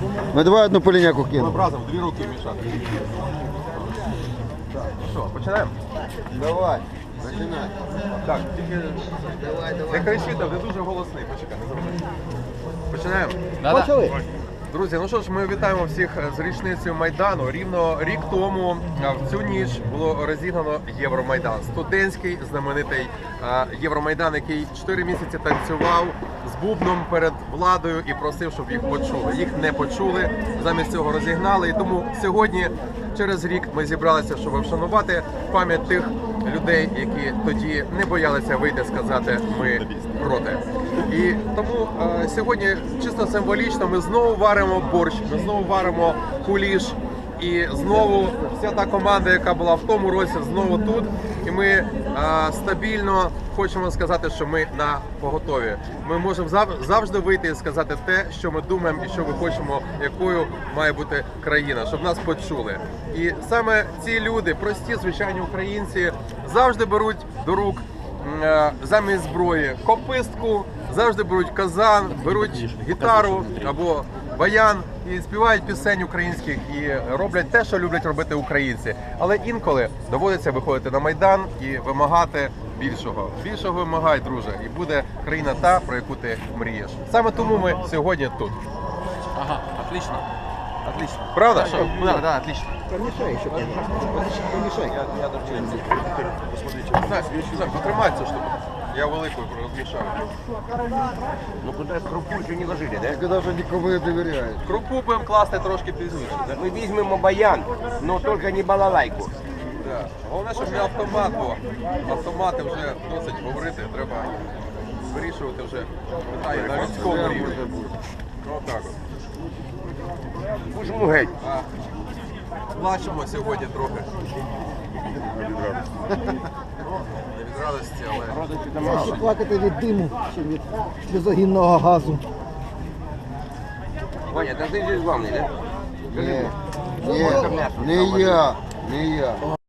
Ну давай одну поліняку кину. Разом дві руки мішати. Що, починаємо? Давай, починай. Так, тільки не кричіть, ви дуже голосний. Почекай, не завжди. Починаємо? Почали. Друзі, ну що ж, ми вітаємо всіх з річницею Майдану. Рівно рік тому в цю ніч було розігнано Євромайдан. Студентський знаменитий Євромайдан, який 4 місяці танцював з бубном перед владою і просив, щоб їх почули. Їх не почули, замість цього розігнали. І тому сьогодні, через рік, ми зібралися, щоб вшанувати пам'ять тих людей, які тоді не боялися вийти сказати «ми проти». І тому сьогодні чисто символічно ми знову варимо борщ, ми знову варимо куліш. І знову вся та команда, яка була в тому році, знову тут. І ми стабільно хочемо сказати, що ми на поготові. Ми можемо завжди вийти і сказати те, що ми думаємо і що ми хочемо, якою має бути країна, щоб нас почули. І саме ці люди, прості, звичайні українці, завжди беруть до рук замість зброї копистку, завжди беруть казан, беруть гітару або баян і співають пісень українських і роблять те, що люблять робити українці. Але інколи доводиться виходити на Майдан і вимагати більшого. Більшого вимагай, друже, і буде країна та, про яку ти мрієш. Саме тому ми сьогодні тут. Ага, отлично. Отлично. Правда? Да, отлично. Помішай, щоб помішай. Знаєш, потримай цю штуку. Я великою розмішаю. Ну куда крупу еще не ложили, да? Ти навіть нікому не довіряєш. Крупу будемо класти трошки пізніше. Да? Мы возьмем баян, но только не балалайку. Да. Головне, щоб не автомат, бо автомати вже досить говорити, треба вирішувати вже питання на людському рівні. Отак от. Пужму геть. Плачемо сьогодні трохи. Не від радості, але... Краще плакати від диму, чи від сльозогінного газу. Ваня, да ты здесь главный, да? Ні, не я.